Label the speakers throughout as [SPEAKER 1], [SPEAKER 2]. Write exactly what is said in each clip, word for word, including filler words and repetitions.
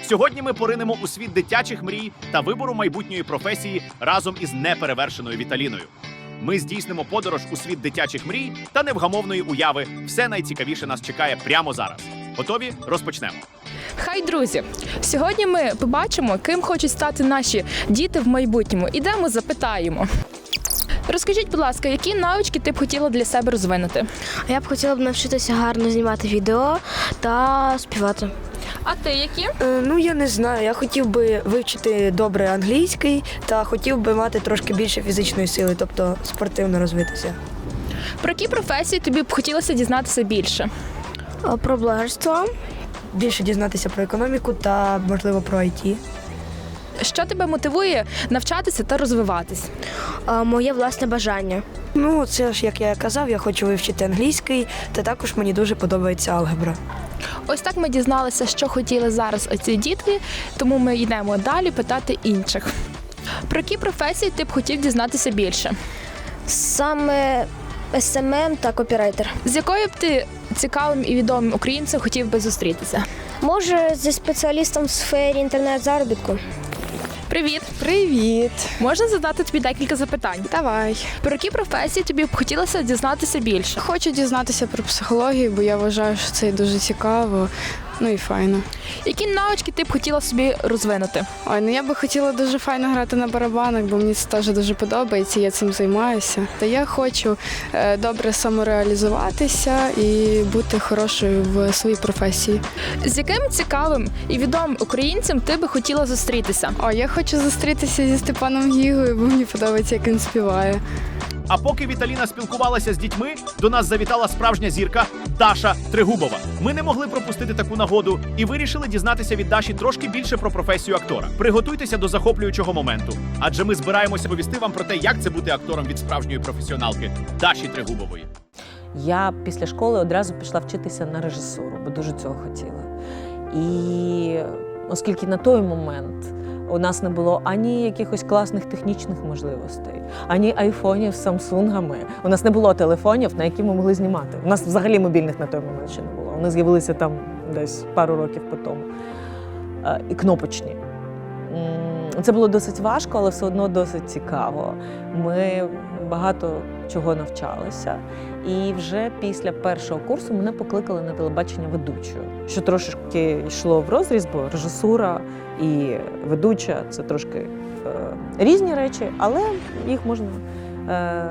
[SPEAKER 1] Сьогодні ми поринемо у світ дитячих мрій та вибору майбутньої професії разом із неперевершеною Віталіною. Ми здійснимо подорож у світ дитячих мрій та невгамовної уяви. Все найцікавіше нас чекає прямо зараз. Готові? Розпочнемо.
[SPEAKER 2] Хай, друзі! Сьогодні ми побачимо, ким хочуть стати наші діти в майбутньому. Ідемо, запитаємо. Розкажіть, будь ласка, які навички ти б хотіла для себе розвинути?
[SPEAKER 3] Я б хотіла б навчитися гарно знімати відео та співати.
[SPEAKER 2] А ти які?
[SPEAKER 4] Е, Ну, я не знаю. Я хотів би вивчити добре англійський та хотів би мати трошки більше фізичної сили, тобто спортивно розвитися.
[SPEAKER 2] Про які професії тобі б хотілося дізнатися більше?
[SPEAKER 3] А Про блогерство.
[SPEAKER 4] Більше дізнатися про економіку та, можливо, про ай ті.
[SPEAKER 2] Що тебе мотивує навчатися та розвиватись?
[SPEAKER 3] А, Моє власне бажання.
[SPEAKER 4] Ну, це ж, як я казав, я хочу вивчити англійський, та також мені дуже подобається алгебра.
[SPEAKER 2] Ось так ми дізналися, що хотіли зараз оці дітки, тому ми йдемо далі питати інших. Про які професії ти б хотів дізнатися більше?
[SPEAKER 3] Саме ес ем ем та копірайтер.
[SPEAKER 2] З якою б ти цікавим і відомим українцем хотів би зустрітися?
[SPEAKER 3] Може, зі спеціалістом в сфері інтернет-заробітку.
[SPEAKER 2] Привіт!
[SPEAKER 5] Привіт!
[SPEAKER 2] Можна задати тобі декілька запитань?
[SPEAKER 5] Давай.
[SPEAKER 2] Про які професії тобі б хотілося дізнатися більше?
[SPEAKER 5] Хочу дізнатися про психологію, бо я вважаю, що це дуже цікаво, ну і файно.
[SPEAKER 2] Які навички ти б хотіла собі розвинути?
[SPEAKER 5] Ой, ну я би хотіла дуже файно грати на барабанах, бо мені це теж дуже подобається, я цим займаюся. Та я хочу е, добре самореалізуватися і бути хорошою в своїй професії.
[SPEAKER 2] З яким цікавим і відомим українцем ти би хотіла зустрітися?
[SPEAKER 5] О, я хочу зустрітися зі Степаном Гігою, бо мені подобається, як він співає.
[SPEAKER 1] А поки Віталіна спілкувалася з дітьми, до нас завітала справжня зірка Даша Трегубова. Ми не могли пропустити таку нагоду і вирішили дізнатися від Даші трошки більше про професію актора. Приготуйтеся до захоплюючого моменту, адже ми збираємося повісти вам про те, як це бути актором від справжньої професіоналки Даші Трегубової.
[SPEAKER 6] Я після школи одразу пішла вчитися на режисуру, бо дуже цього хотіла. І оскільки на той момент у нас не було ані якихось класних технічних можливостей, ані айфонів з самсунгами. У нас не було телефонів, на які ми могли знімати. У нас взагалі мобільних на той момент ще не було. Вони з'явилися там десь пару років по тому. І кнопочні. Це було досить важко, але все одно досить цікаво. Ми багато чого навчалися. І вже після першого курсу мене покликали на телебачення ведучою, що трошки йшло в розріз, бо режисура і ведуча – це трошки е, різні речі, але їх можна е,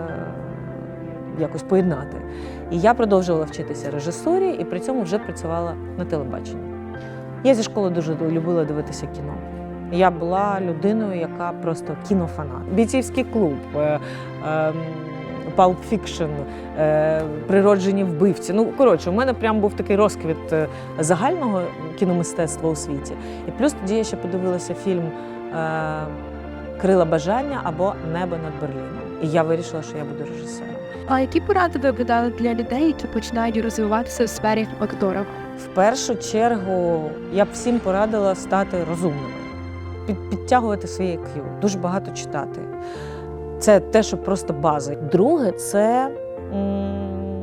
[SPEAKER 6] якось поєднати. І я продовжувала вчитися режисурі і при цьому вже працювала на телебаченні. Я зі школи дуже любила дивитися кіно. Я була людиною, яка просто кінофанат. Бійцівський клуб, е, е, Pulp Fiction, е, природжені вбивці. Ну, коротше, у мене прям був такий розквіт загального кіномистецтва у світі. І плюс тоді я ще подивилася фільм е, «Крила бажання» або «Небо над Берліном». І я вирішила, що я буду режисером.
[SPEAKER 7] А які поради ви б дали для людей, які починають розвиватися в сфері актора?
[SPEAKER 6] В першу чергу я б всім порадила стати розумними, під, підтягувати своє ай к'ю, дуже багато читати. Це те, що просто база. Друге – це м-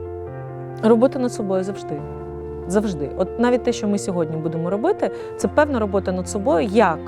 [SPEAKER 6] робота над собою завжди. Завжди. От навіть те, що ми сьогодні будемо робити, це певна робота над собою, як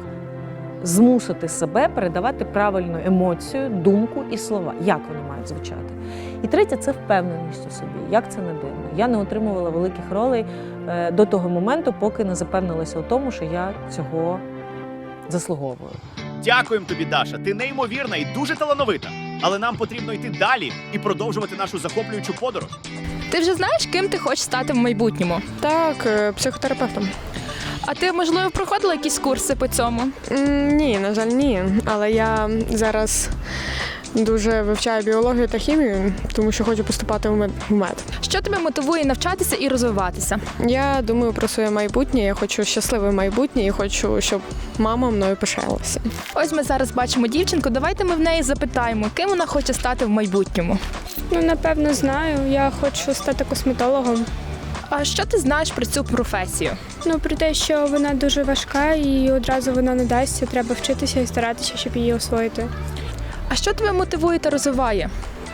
[SPEAKER 6] змусити себе передавати правильну емоцію, думку і слова, як вони мають звучати. І третє – це впевненість у собі, як це не дивно. Я не отримувала великих ролей е, до того моменту, поки не запевнилася у тому, що я цього заслуговую.
[SPEAKER 1] Дякуємо тобі, Даша. Ти неймовірна і дуже талановита. Але нам потрібно йти далі і продовжувати нашу захоплюючу подорож.
[SPEAKER 2] Ти вже знаєш, ким ти хочеш стати в майбутньому?
[SPEAKER 5] Так, е, психотерапевтом.
[SPEAKER 2] А ти, можливо, проходила якісь курси по цьому?
[SPEAKER 5] М, Ні, на жаль, ні. Але я зараз дуже вивчаю біологію та хімію, тому що хочу поступати в мед. в мед.
[SPEAKER 2] Що тебе мотивує навчатися і розвиватися?
[SPEAKER 5] Я думаю про своє майбутнє, я хочу щасливе майбутнє і хочу, щоб мама мною пишалася.
[SPEAKER 2] Ось ми зараз бачимо дівчинку, давайте ми в неї запитаємо, ким вона хоче стати в майбутньому.
[SPEAKER 8] Ну, напевно, знаю. Я хочу стати косметологом.
[SPEAKER 2] А що ти знаєш про цю професію?
[SPEAKER 8] Ну, про те, що вона дуже важка і одразу вона не дасться, треба вчитися і старатися, щоб її освоїти.
[SPEAKER 2] А що тебе мотивує та розвиває?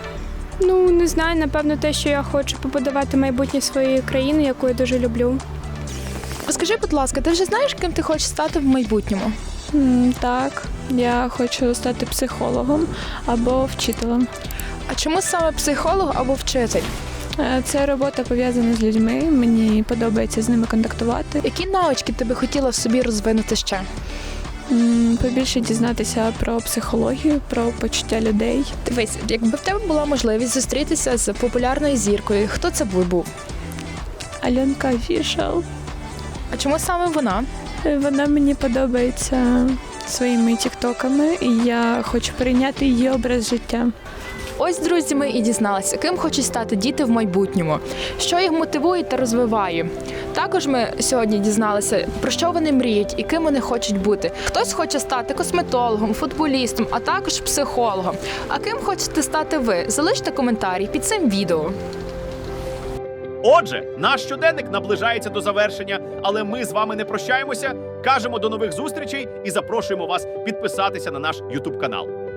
[SPEAKER 8] Ну, не знаю, напевно, те, що я хочу побудувати майбутнє своєї країни, яку я дуже люблю.
[SPEAKER 2] Розкажи, будь ласка, ти вже знаєш, ким ти хочеш стати в майбутньому?
[SPEAKER 9] М, Так, я хочу стати психологом або вчителем.
[SPEAKER 2] А чому саме психолог або вчитель?
[SPEAKER 9] Е, Це робота пов'язана з людьми, мені подобається з ними контактувати.
[SPEAKER 2] Які навички ти би хотіла в собі розвинути ще?
[SPEAKER 9] М, Побільше дізнатися про психологію, про почуття людей.
[SPEAKER 2] Дивись, якби в тебе була можливість зустрітися з популярною зіркою, хто це би був?
[SPEAKER 9] Альонка Фішел.
[SPEAKER 2] А чому саме вона?
[SPEAKER 9] Е, Вона мені подобається своїми тіктоками, і я хочу перейняти її образ життя.
[SPEAKER 2] Ось, друзі, ми і дізналися, ким хочуть стати діти в майбутньому, що їх мотивує та розвиває. Також ми сьогодні дізналися, про що вони мріють і ким вони хочуть бути. Хтось хоче стати косметологом, футболістом, а також психологом. А ким хочете стати ви? Залиште коментарі під цим відео.
[SPEAKER 1] Отже, наш щоденник наближається до завершення, але ми з вами не прощаємося, кажемо до нових зустрічей і запрошуємо вас підписатися на наш ютуб канал.